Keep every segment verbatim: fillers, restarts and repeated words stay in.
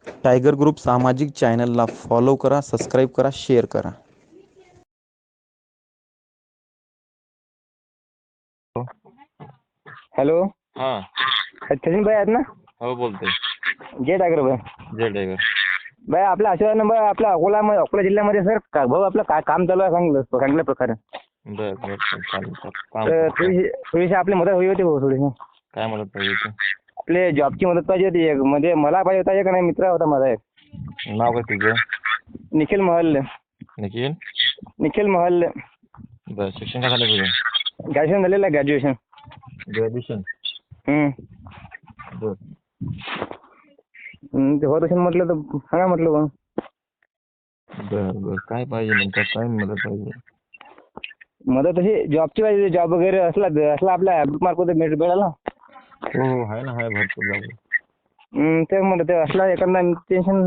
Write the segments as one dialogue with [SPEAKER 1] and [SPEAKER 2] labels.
[SPEAKER 1] Tiger group सामाजिक चॅनलला follow करा, सबस्क्राईब करा, शेअर करा.
[SPEAKER 2] हॅलो,
[SPEAKER 3] हा.
[SPEAKER 2] सचिन भाई आहेत ना?
[SPEAKER 3] हो बोलतोय.
[SPEAKER 2] जय टायगर भाई.
[SPEAKER 3] जय टायगर.
[SPEAKER 2] भाई आपला आशीर्वाद नंबर आपल्या अकोला अकोला जिल्ह्यामध्ये सर का भाऊ आपलं काय काम चालू आहे सांग चांगल्या प्रकारे.
[SPEAKER 3] बर बर चालेल काम
[SPEAKER 2] तर
[SPEAKER 3] करतो.
[SPEAKER 2] थोडीशी थोडीशी आपली मदत हवी होती भाऊ थोडीशी.
[SPEAKER 3] काय मदत पाहिजे होती?
[SPEAKER 2] आपले जॉबची मदत पाहिजे होती एक म्हणजे मला पाहिजे होता एक नाही मित्र होता माझा एक.
[SPEAKER 3] नाव काय तुझं?
[SPEAKER 2] निखिल महल.
[SPEAKER 3] निखिल.
[SPEAKER 2] निखिल महल.
[SPEAKER 3] बर शिक्षण काय झालं तुझं?
[SPEAKER 2] ग्रॅज्युएशन झालेलं आहे ग्रॅज्युएशन.
[SPEAKER 3] ग्रॅज्युएशन.
[SPEAKER 2] हम्म.
[SPEAKER 3] बर.
[SPEAKER 2] हम्म, ते होत असेल म्हटलं तर सांगा म्हटलं बा.
[SPEAKER 3] बर बर काय पाहिजे नेमकं काय मदत पाहिजे?
[SPEAKER 2] मदत अशी जॉबची पाहिजे जॉब वगैरे असला असला आपल्या मार्फत मिळाला.
[SPEAKER 3] हो हो आहे ना आहे भरपूर जागा.
[SPEAKER 2] हम्म, तेच म्हणलं ते असला एखादा टेन्शन.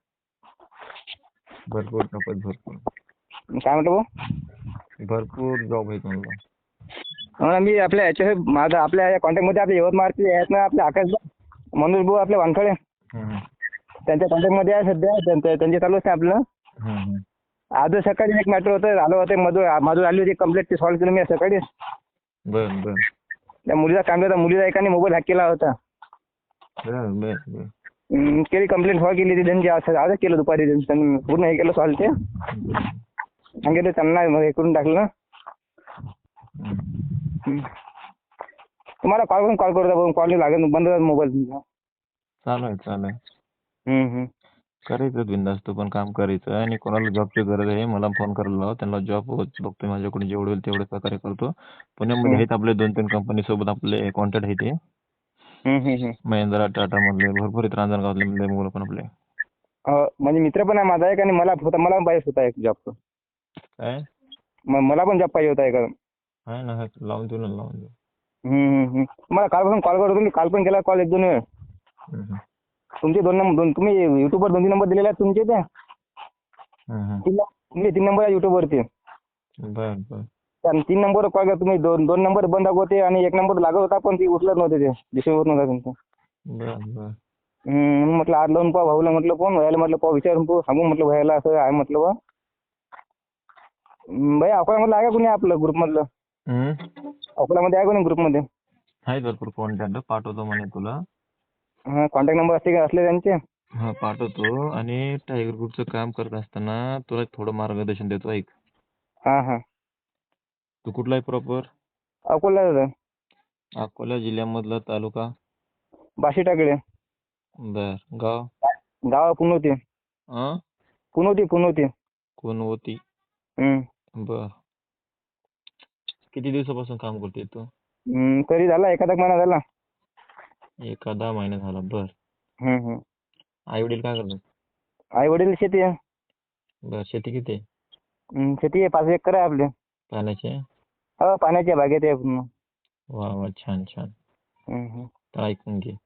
[SPEAKER 3] भरपूर जॉब आहेत भरपूर.
[SPEAKER 2] काय म्हटलं भाऊ?
[SPEAKER 3] भरपूर जॉब आहेत म्हणलं.
[SPEAKER 2] हो ना, मी आपल्या याच्या माझा आपल्या कॉन्टॅक्टमध्ये आपल्या यवतमाळचे आहेत ना आपले आकाश मनोज भाऊ आपले वानखळे.
[SPEAKER 3] हम्म,
[SPEAKER 2] त्यांच्या कॉन्टॅक्टमध्ये आहे सध्या. त्यांचं त्यांचे चालू असते आपलं.
[SPEAKER 3] हम्म, हम्म.
[SPEAKER 2] आज सकाळी एक मॅटर होतं आलं होतं मधूर मधूर आली होती कंप्लेंट ती सॉल्व्ह केली मी सकाळी.
[SPEAKER 3] बर बर
[SPEAKER 2] त्या मुलीचा काम होता मुलीचा एकाने मोबाईल हॅक केला होता.
[SPEAKER 3] बर बर बर.
[SPEAKER 2] हम्म, केली कंप्लेंट सॉल्व्ह केली ती त्यांची आज आजच केलं दुपारी त्यांनी पूर्ण हे केलं सॉल्व्ह ते. सांगितलं त्यांना हे करून टाकलं ना.
[SPEAKER 3] हम्म.
[SPEAKER 2] तुम्हाला कॉल करून कॉल करतो कॉल लागेल बंद मोबाईल तुमचा.
[SPEAKER 3] चालू आहे चालू आहे.
[SPEAKER 2] हम्म, हम्म.
[SPEAKER 3] करायचं बिनधास्त पण काम करायचं आणि कोणाला जॉबची गरज आहे मला फोन करायला लावा त्यांना जॉब बघतोय माझ्याकडून जेवढे होईल तेवढे सहकार्य करतो. पुण्यामध्ये आहेत आपले दोन तीन कंपनी सोबत आपले कॉन्टॅक्ट आहे ते.
[SPEAKER 2] हम्म, हम्म, हम्म.
[SPEAKER 3] महिंद्रा टाटा मधले भरपूर आहेत रांजणगावातले मधले मुलं पण आपले.
[SPEAKER 2] हो, म्हणजे मित्र पण आहे माझा एक आणि मला होता मला पण पाहिजे होता एक जॉब.
[SPEAKER 3] काय?
[SPEAKER 2] मला पण जॉब पाहिजे होता एक.
[SPEAKER 3] आहे ना आहे लावून देऊ ना लावून देऊ.
[SPEAKER 2] हम्म, हम्म. तुम्हाला कालपासून कॉल करतो मी काल पण केला कॉल एक दोन वेळ.
[SPEAKER 3] हम्म, हम्म.
[SPEAKER 2] तुमचे दोन नंबर दोन तुम्ही युट्यूबवर दोन तीन नंबर दिलेले आहेत तुमचे त्या.
[SPEAKER 3] हम्म, हम्म.
[SPEAKER 2] तीन तुमचे तीन नंबर आहे युट्यूबवरती.
[SPEAKER 3] बर बर
[SPEAKER 2] त्या तीन नंबरवर कॉल केला तुम्ही दोन दोन नंबर बंद होते आणि एक नंबर लागत होता पण ती उचलत नव्हते ते दिशेवर नव्हता तुमचा.
[SPEAKER 3] बर बर.
[SPEAKER 2] हम्म, म्हटलं आज लावून पाहा भाऊला म्हटलं फोन व्हायला म्हटलं पाहा विचारून पाहू सांगू म्हटलं व्हायला असं आहे म्हटलं बा. भाई अकोल्यामधलं आहे का कोणी आपलं ग्रुपमधलं?
[SPEAKER 3] हम्म.
[SPEAKER 2] अकोल्यामध्ये आहे कोणी ग्रुपमध्ये?
[SPEAKER 3] आहेत भरपूर कॉन्टॅक्ट पाठवतो म्हणे तुला.
[SPEAKER 2] हां, कॉन्टॅक्ट नंबर असते का असले त्यांचे?
[SPEAKER 3] हा पाठवतो आणि टायगर ग्रुपचं काम करत असताना तुला थोडं मार्गदर्शन देतो ऐक.
[SPEAKER 2] हां, हां.
[SPEAKER 3] तू कुठला आहे प्रॉपर?
[SPEAKER 2] अकोल्याला आहे.
[SPEAKER 3] अकोला जिल्ह्यामधला तालुका?
[SPEAKER 2] बाशी टाकळे.
[SPEAKER 3] बर गाव?
[SPEAKER 2] गाव पुनवती.
[SPEAKER 3] अं
[SPEAKER 2] पुनवती पुनवती.
[SPEAKER 3] कोणवती.
[SPEAKER 2] हम्म.
[SPEAKER 3] बर किती दिवसापासून काम करते तू?
[SPEAKER 2] हम्म, तरी झाला एखादा महिना झाला.
[SPEAKER 3] एखादा महिना झाला बर.
[SPEAKER 2] हम्म, हम्म.
[SPEAKER 3] आई वडील काय करतात?
[SPEAKER 2] आई वडील शेती आहे.
[SPEAKER 3] बर शेती किती आहे?
[SPEAKER 2] हम्म, शेती आहे पाच एकर आहे आपली.
[SPEAKER 3] पाण्याचे?
[SPEAKER 2] हो, पाण्याच्या बागेत आहे पूर्ण.
[SPEAKER 3] वा वा छान छान.
[SPEAKER 2] हम्म, हम्म.
[SPEAKER 3] तर ऐकून घे.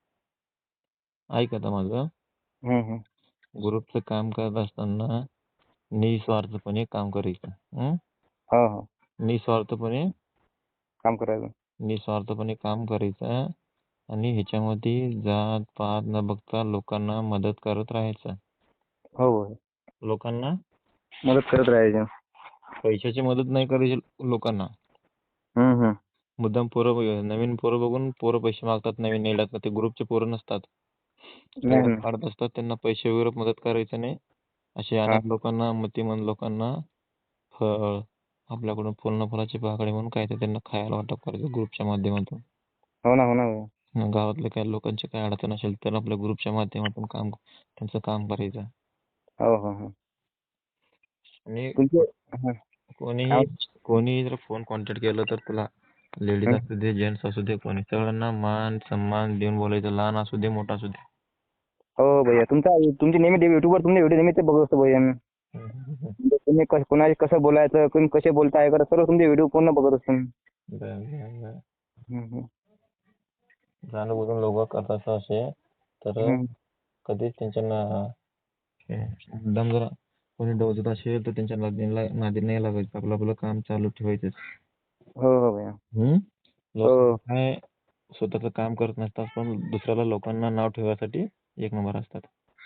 [SPEAKER 3] ऐक आता माझं.
[SPEAKER 2] हम्म, हम्म.
[SPEAKER 3] ग्रुपचं काम करत असताना निस्वार्थपणे काम करायचं. हं?
[SPEAKER 2] हो हो,
[SPEAKER 3] निस्वार्थपणे
[SPEAKER 2] काम करायचं.
[SPEAKER 3] निस्वार्थपणे काम करायचं आणि ह्याच्यामध्ये जात पात न बघता लोकांना मदत करत राहायचं.
[SPEAKER 2] हो हो,
[SPEAKER 3] लोकांना
[SPEAKER 2] मदत करत राहायची.
[SPEAKER 3] पैशाची मदत नाही करायची लोकांना.
[SPEAKER 2] हम्म, हम्म.
[SPEAKER 3] मुद्दाम पोरं बघ- नवीन पोरं बघून पोरं पैसे मागतात नवीन नेल्यात ते ग्रुपचे पोरं नसतात.
[SPEAKER 2] नाही
[SPEAKER 3] सगळ्यात
[SPEAKER 2] ना.
[SPEAKER 3] काढत असतात त्यांना पैसे वगैरे मदत करायचं नाही. असे
[SPEAKER 2] हां.
[SPEAKER 3] अनाथ लोकांना मतिमंद लोकांना फळ आपल्याकडून फुल फळाचे पाकळे म्हणून काय ते त्यांना खायला वाटप करायचं ग्रुपच्या माध्यमातून.
[SPEAKER 2] हो ना, हो ना भाई.
[SPEAKER 3] मग गावातल्या काही लोकांची काही अडचण असेल तर आपल्या ग्रुपच्या माध्यमातून काम त्यांचं काम करायचं.
[SPEAKER 2] हो हो हो.
[SPEAKER 3] आणि
[SPEAKER 2] तुमचे हां.
[SPEAKER 3] कोणीही कोणीही जर फोन कॉन्टॅक्ट केलं तर तुला लेडीज
[SPEAKER 2] हं.
[SPEAKER 3] असू दे जेंट्स असू दे कोणी सगळ्यांना मान सन्मान देऊन बोलायचं लहान असू दे मोठा असू दे.
[SPEAKER 2] हो भैया तुमचा तुमची नेहमी युट्यूबवर तुमचे व्हिडिओ नेहमी ते बघत असतो भैया मी.
[SPEAKER 3] हम्म, हम्म, हम्म.
[SPEAKER 2] म्हणजे तुम्ही कस कोणाशी कसं बोलायचं कोणी कसे बोलताय करत सर्व तुमचे व्हिडिओ पूर्ण बघत असतो मी.
[SPEAKER 3] बरं, बरं, बरं.
[SPEAKER 2] हम्म, हम्म.
[SPEAKER 3] जाणून लोक करतात असे तर
[SPEAKER 2] हम्म.
[SPEAKER 3] कधीच त्यांच्या ना मुद्दाम जरा कोणी डोजत असेल तर त्यांच्या नादीला नादी नाही लागायचं आपलं आपलं काम चालू ठेवायचं.
[SPEAKER 2] हो हो भैया.
[SPEAKER 3] हम्म लोक
[SPEAKER 2] हो.
[SPEAKER 3] काय स्वतःचं काम करत नसतात पण दुसऱ्याला लोकांना नाव ठेवायसाठी एक नंबर असतात.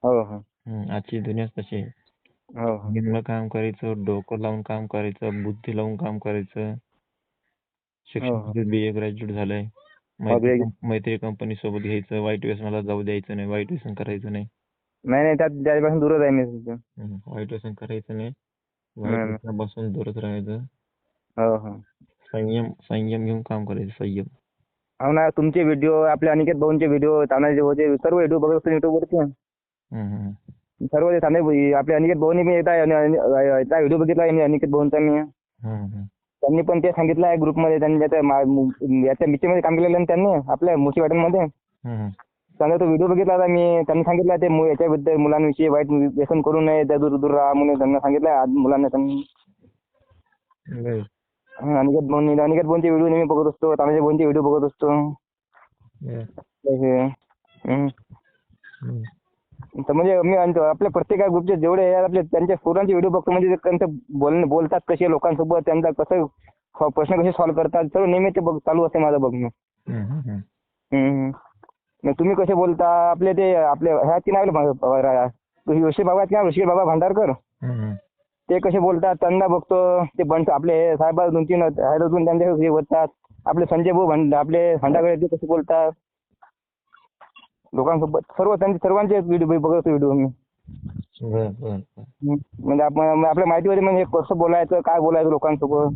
[SPEAKER 2] हो हो
[SPEAKER 3] हम्म, आजची दुनियाच तशी आहे.
[SPEAKER 2] हो हो
[SPEAKER 3] निम्म काम करायचं, डोकं लावून काम करायचं, बुद्धी लावून काम करायचं.
[SPEAKER 2] हो हो
[SPEAKER 3] शिक्षण बी ए ग्रॅज्युएट झालंय.
[SPEAKER 2] हो
[SPEAKER 3] मैत्री
[SPEAKER 2] बे-
[SPEAKER 3] कंप- मैत्री कंपनी सोबत घ्यायचं, वाईट व्यसनाला जाऊ द्यायचं नाही, वाईट व्यसन करायचं नाही.
[SPEAKER 2] नाही नाही त्यात त्याच्यापासून दूरच आहे मी सध्या.
[SPEAKER 3] हम्म, वाईट व्यसन करायचं नाही, वाईट
[SPEAKER 2] नाही नाही.
[SPEAKER 3] व्यसनापासून दूरच राहायचं.
[SPEAKER 2] हो हो
[SPEAKER 3] संयम संयम घेऊन काम करायचं, संयम.
[SPEAKER 2] हो ना, तुमचे व्हिडिओ, आपले अनिकेत भाऊंचे व्हिडिओ, तानाजी होते सर्व व्हिडिओ बघत असतो युट्यूबवरती.
[SPEAKER 3] हम्म, हम्म,
[SPEAKER 2] सर्व ते ताने आपले अनिकेत भाऊनी मी येता येता व्हिडिओ बघितला आहे अनिकेत भाऊंचा मी.
[SPEAKER 3] हम्म, हम्म.
[SPEAKER 2] त्यांनी पण ते सांगितलं आहे ग्रुपमध्ये, त्यांनी त्याच्या मा- मु- याच्या मिशीमध्ये काम केलेलं आहे ना त्यांनी आपल्या मुशी वाटणमध्ये.
[SPEAKER 3] हम्म,
[SPEAKER 2] त्यांचा तो व्हिडिओ बघितला होता मी. त्यांनी सांगितलं ते मु- याच्याबद्दल मुलांविषयी वाईट व्यसन करू नये, त्या दूर दूर राहा म्हणून त्यांना सांगितलं आज मुलांना त्यांनी.
[SPEAKER 3] बरं.
[SPEAKER 2] हं, अनिकेत भाऊंनी अनिकेत भाऊंचे व्हिडिओ नेहमी बघत असतो, तानाजी भाऊंचे व्हिडिओ बघत असतो.
[SPEAKER 3] बरं.
[SPEAKER 2] हे, हं.
[SPEAKER 3] हम्म.
[SPEAKER 2] तर म्हणजे मी आणतो आपल्या प्रत्येक ग्रुपचे जेवढे आहे आपले त्यांच्या पोरांचे व्हिडिओ बघतो, म्हणजे ते त्यांचं बोल बोलतात कसे लोकांसोबत, त्यांचा कसं स- प्रश्न कसे सॉल्व्ह करतात, सर्व नेहमी ते बघ चालू असते माझं बघणं.
[SPEAKER 3] हम्म, हम्म, हम्म.
[SPEAKER 2] हम्म. मग तुम्ही कसे बोलता, आपले ते आपले ह्या की नाही ऋषी बाबा आहेत ना, ऋषी बाबा भांडारकर,
[SPEAKER 3] हम्म,
[SPEAKER 2] ते कसे बोलतात त्यांना बघतो. ते बंड आपले हे साहेब दोन तीन आहेत अजून त्यांचे हे होतात. आपले संजय भाऊ भंड आपले भांडारकर ते कसे बोलतात लोकांसोबत, सर्व त्यांचे सर्वांचे व्हिडिओ बघतो व्हिडिओ मी.
[SPEAKER 3] बरं, बरं, बरं.
[SPEAKER 2] हं. म्हणजे आपण आपल्या माहितीमध्ये म्हणजे कसं बोलायचं, काय बोलायचं लोकांसोबत.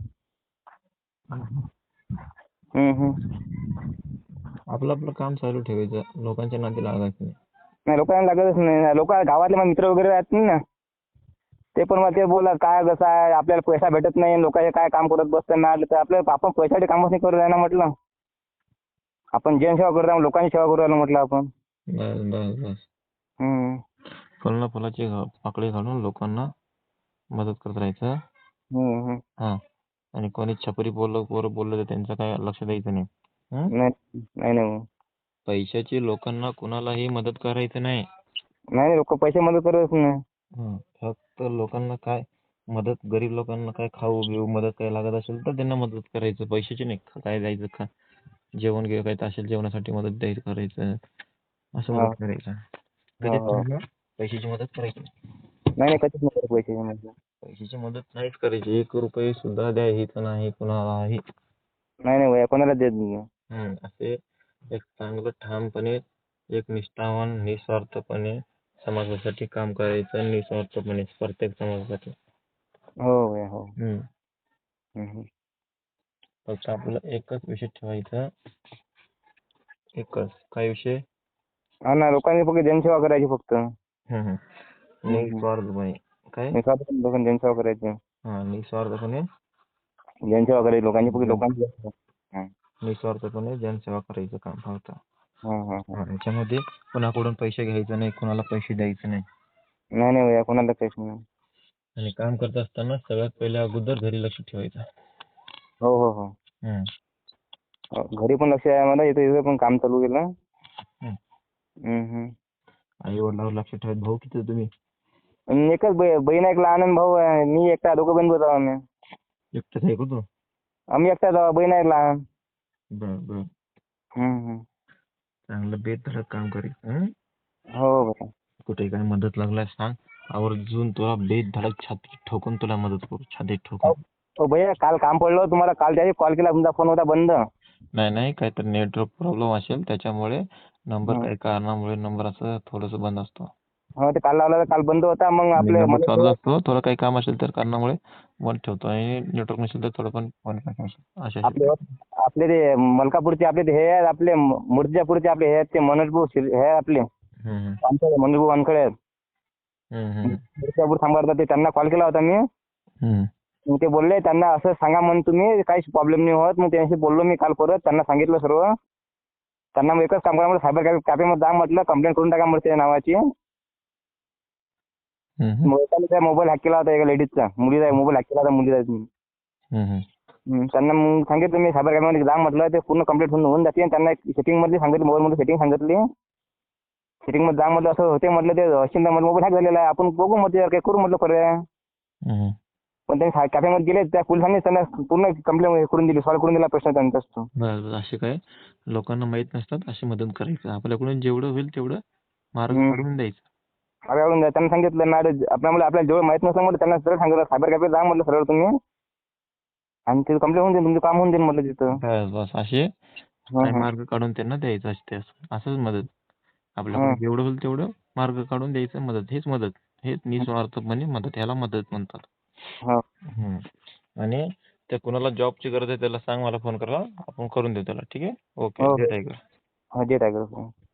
[SPEAKER 2] हं, हं.
[SPEAKER 3] आपलं आपलं काम चालू ठेवायचं, लोकांच्या नादी लागायचं नाही.
[SPEAKER 2] नाही लोकांना लागतच नाही. लोक गावातले माझे मित्र वगैरे आहेत ना, ते पण मला ते बोला काय कसं आहे, आपल्याला पैसा भेटत नाही, लोकांचे काय काम करत बसताना, तर आपलं आपण पैशासाठी कामच नाही करू ना म्हटलं. आपण जनसेवा करत आहोत, लोकांची सेवा करू राहिलो म्हटलं आपण.
[SPEAKER 3] बस बस बस
[SPEAKER 2] हं.
[SPEAKER 3] फळना फुलाची घा- पाकळी घालून लोकांना मदत करत राहायचं.
[SPEAKER 2] हं, हं.
[SPEAKER 3] हा, आणि कोणी छपरी बोललं, पोरं बोललं तर त्यांचं काय लक्ष द्यायचं नाही. हं?
[SPEAKER 2] नाही नाही नाही
[SPEAKER 3] पैशाची लोकांना कुणालाही मदत करायचं नाही.
[SPEAKER 2] नाही लोक पैसे मदत करतच नाही.
[SPEAKER 3] हं, फक्त लोकांना काय मदत, गरीब लोकांना काय खाऊ बिऊ मदत काय लागत असेल तर त्यांना मदत करायचं, पैशाची नाही. काय द्यायचं, खा जेवण घे काय असेल जेवणासाठी मदत द्यायचं करायचं, असं
[SPEAKER 2] हो
[SPEAKER 3] मदत करायचं.
[SPEAKER 2] हो
[SPEAKER 3] कधीच
[SPEAKER 2] हो.
[SPEAKER 3] त्यांना पैशाची मदत करायची नाही.
[SPEAKER 2] नाही नाही कधीच नाही करत पैसे म्हणजे.
[SPEAKER 3] पैशाची मदत नाहीच करायची, एक रुपये सुद्धा द्यायचं नाही कुणालाही.
[SPEAKER 2] नाही नाही भैया कोणाला देत नाही.
[SPEAKER 3] हम्म, असे एक चांगलं ठामपणे, एक निष्ठावान, निस्वार्थपणे समाजासाठी काम करायचं, निस्वार्थपणे प्रत्येक समाजासाठी.
[SPEAKER 2] हो भैया हो.
[SPEAKER 3] हम्म,
[SPEAKER 2] हं, हं.
[SPEAKER 3] फक्त आपलं एकच विषय ठेवायचा, एकच काय विषय.
[SPEAKER 2] हा ना, लोकांनी फक्त जनसेवा करायची फक्त.
[SPEAKER 3] हम्म, हम्म.
[SPEAKER 2] हं, हं.
[SPEAKER 3] निस्वार्थपणे काय,
[SPEAKER 2] निस्वार्थपणे लोकांनी जनसेवा करायची.
[SPEAKER 3] हा निस्वार्थपणे
[SPEAKER 2] जनसेवा करायची लोकांची फक्त
[SPEAKER 3] जन-
[SPEAKER 2] लोकांची. हं.
[SPEAKER 3] निस्वार्थपणे जनसेवा करायचं काम फक्त.
[SPEAKER 2] हं, हं, हं.
[SPEAKER 3] हा, याच्यामध्ये कोणाकडून पैसे घ्यायचे नाही, कोणाला पैसे द्यायचे नाही.
[SPEAKER 2] नाही नाही भैया कोणाला काहीच नाही.
[SPEAKER 3] आणि काम करत असताना सगळ्यात पहिले अगोदर घरी लक्ष ठेवायचं.
[SPEAKER 2] हो हो हो.
[SPEAKER 3] हम्म.
[SPEAKER 2] हो, घरी पण लक्ष आहे मला, इथे इथे पण काम चालू केलं.
[SPEAKER 3] हम्म.
[SPEAKER 2] हं, हं.
[SPEAKER 3] आई वडिलांवर लक्ष ठेवत. भाऊ किती आहे तुम्ही?
[SPEAKER 2] आणि एकच बै- बहीण आहे, एक लहान आणि भाऊ आहे. मी एकटा, दोघं बहीण भाऊ आहोत आम्ही.
[SPEAKER 3] एकटाच आहे का तू?
[SPEAKER 2] आम्ही एकटाच आहोत, बहीण आहे एक लहान.
[SPEAKER 3] बर बर,
[SPEAKER 2] हं, हं.
[SPEAKER 3] चांगलं बेधडक काम करायचं. हं?
[SPEAKER 2] हो भैया.
[SPEAKER 3] कुठे काय मदत लागल्यास सांग, आवर्जून तुला बेधडक छाती ठोकून तुला मदत करू, छातीत ठोकून.
[SPEAKER 2] हो भैया काल काम पडलं तुम्हाला, काल त्याची कॉल केला, तुमचा फोन होता बंद.
[SPEAKER 3] नाही नाही, काहीतरी नेटवर्क प्रॉब्लेम असेल त्याच्यामुळे, नंबर
[SPEAKER 2] हं.
[SPEAKER 3] काही कारणामुळे नंबर असं थोडंसं बंद असतो.
[SPEAKER 2] हो ते काल लावला तर काल बंद होता. मग
[SPEAKER 3] आणि
[SPEAKER 2] आपले
[SPEAKER 3] नंबर चालू
[SPEAKER 2] मला
[SPEAKER 3] असतो, थोडं काही काम असेल तर कारणामुळे बंद ठेवतो, आणि नेटवर्क नसेल तर थोडं पण बंद करतो. अशा
[SPEAKER 2] आपले आपले ते मलकापूरचे आपले ते हे आहेत, आपले मूर्तिजापूरचे आपले हे आहेत ते मनोज भाऊ शिर- हे आहे आपले
[SPEAKER 3] हम्म
[SPEAKER 2] वानखडे, मनोज भाऊ वानखडे आहेत.
[SPEAKER 3] हम्म हम्म
[SPEAKER 2] मूर्तिजापूर सांभाळतात ते, त्यांना कॉल केला होता मी.
[SPEAKER 3] हम्म
[SPEAKER 2] मग ते बोलले त्यांना असं सांगा म्हणून तुम्ही, काहीच प्रॉब्लेम नाही होत. मग त्यांच्याशी बोललो मी काल परत, त्यांना सांगितलं सर्व. त्यांना मग एकच काम करा म्हटलं, सायबर कॅफेमध्ये जा म्हटलं, कंप्लेंट करून टाका म्हटलं त्या नावाची.
[SPEAKER 3] हम्म
[SPEAKER 2] मग एकाने मोबाईल हॅक केला होता, एका लेडीजचा, मुलीचा मोबाईल हॅक केला होता मुलीचा.
[SPEAKER 3] हम्म
[SPEAKER 2] हं, त्यांना मग सांगितलं मी सायबर कॅफेमध्ये जा म्हटलं, ते पूर्ण कंप्लीट होऊन होऊन जाते. आणि त्यांना एक सेटिंगमधली सांगितली, मोबाईलमध्ये सेटिंग सांगितली. सेटिंगमध्ये जा म्हटलं, असं होते म्हटलं, ते अश्विनदा मोबाईल हॅक झालेला आहे, आपण बघू म्हटलं, काय करू म्हटलं पर्याय.
[SPEAKER 3] हम्म
[SPEAKER 2] पण त्यांनी कॅफेमध्ये गेले, त्या पोलिसांनी त्यांना पूर्ण कंप्लेंट करून दिली, सॉल्व्ह करून दिला प्रश्न त्यांचाच तो.
[SPEAKER 3] बस बस, असे काय लोकांना माहित नसतात, अशी मदत करायचं, आपल्याकडून जेवढं होईल तेवढं मार्ग
[SPEAKER 2] हं.
[SPEAKER 3] काढून द्यायचं.
[SPEAKER 2] मागे काढून द्या. त्यांना सांगितलं मॅडम आपल्याला आपल्याला जेवढं माहित नसलं म्हटलं त्यांना सरळ सांगितलं सायबर कॅफे जा म्हटलं सरळ तुम्ही आणि ते कंप्लेंट होऊन जाईल तुमचं काम होऊन जाईल म्हटलं तिथं.
[SPEAKER 3] बस बस असे
[SPEAKER 2] हं,
[SPEAKER 3] काही
[SPEAKER 2] हं.
[SPEAKER 3] मार्ग काढून त्यांना द्यायचं असते. असं असंच मदत आपल्याकडून
[SPEAKER 2] हं.
[SPEAKER 3] जेवढं होईल तेवढं मार्ग काढून द्यायचं. मदत हेच मदत हेच निस्वार्थपणे मदत, ह्याला मदत म्हणतात.
[SPEAKER 2] हो.
[SPEAKER 3] हम्म. आणि त्या कुणाला जॉबची गरज आहे त्याला सांग मला फोन करा, आपण करून देऊ त्याला. ठीक आहे. ओके.
[SPEAKER 2] हो
[SPEAKER 3] जय टायगर.
[SPEAKER 2] हो जे टायगर.